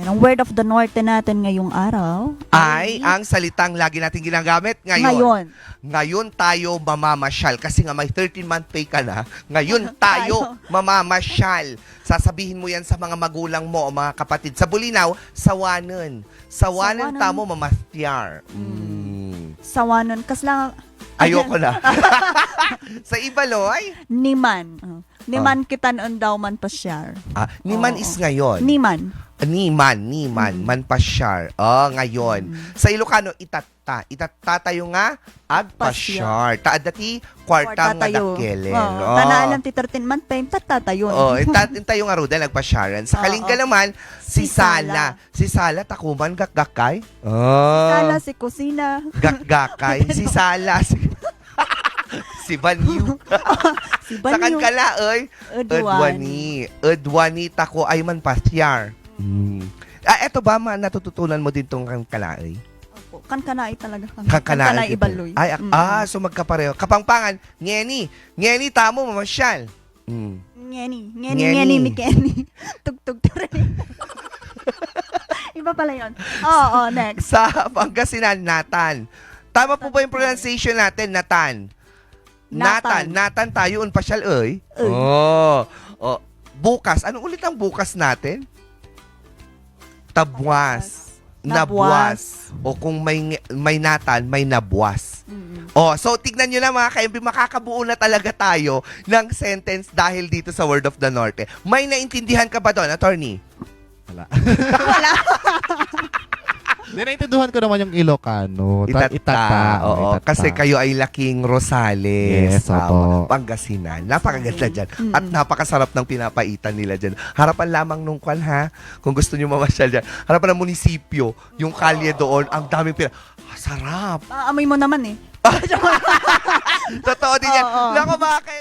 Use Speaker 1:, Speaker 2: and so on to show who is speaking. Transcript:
Speaker 1: Yung word of the Norte natin ngayong araw
Speaker 2: Ay, ang salitang lagi natin ginagamit ngayon. Ngayon tayo mamamasyal. Kasi nga may 13-month pay ka na. Ngayon tayo mamamasyal. Sasabihin mo yan sa mga magulang mo o mga kapatid. Sa Bulinaw, sawanan. Sawanan tamo mamastyar.
Speaker 1: Sawanon. Kaslang
Speaker 2: Ayoko na. Sa Ibaloy?
Speaker 1: Niman. Niman kita noon daw man pasyar.
Speaker 2: Niman is ngayon.
Speaker 1: Niman.
Speaker 2: Niman, manpasyar. Ngayon. Sa Ilocano, itata. Itata tayo nga, agpasyar. Taadati, kwarta nga dakelen.
Speaker 1: Tanaalam ti 13 month pay, tatatayon.
Speaker 2: Tayo nga ruda, nagpasyaran. Sa Kalinga naman, si Sala. Si Sala, takuman, gakgakay.
Speaker 1: Sala, si Kusina.
Speaker 2: Gakgakay. Si Sala, si Banyu.
Speaker 1: Si
Speaker 2: Sa
Speaker 1: Banyo.
Speaker 2: Kankala, oy.
Speaker 1: Udwani.
Speaker 2: Udwani tako ay man pasyar. Eto ba, natututunan mo din tong Kankala,
Speaker 1: Opo, kankanay talaga.
Speaker 2: Kankanay
Speaker 1: Ibaloy.
Speaker 2: Ay, so magkapareho. Kapangpangan, ngeni. Ngeni, tamo, mamasyal.
Speaker 1: Ngeni, Mikeni. Tugtog tare. Iba pala yun. Oo, next.
Speaker 2: Sa Pangasinan, Natan. Tama po ba yung pronunciation natin, Natan? Natan tayo, pasyal, oy. Bukas. Anong ulit ang bukas natin? Tabwas. Nabwas. O kung may natan, may nabwas. So tignan nyo na mga ka-MB, makakabuo na talaga tayo ng sentence dahil dito sa Word of the Norte. May naintindihan ka ba doon, attorney?
Speaker 3: Wala.
Speaker 1: Wala.
Speaker 3: Naintindihan ko naman yung Ilocano.
Speaker 2: Itata. Oo,
Speaker 3: Itata.
Speaker 2: kasi kayo ay laking Rosales.
Speaker 3: Yes, opo.
Speaker 2: Pangasinan. Napakaganda dyan. At napakasarap ng pinapaitan nila dyan. Harapan lamang nung kwan, ha? Kung gusto nyo mamasyal dyan. Harapan ng munisipyo. Yung kalye doon. Ang daming sarap.
Speaker 1: Amoy mo naman eh.
Speaker 2: Totoo din yan.
Speaker 1: Oo.
Speaker 2: Naku mga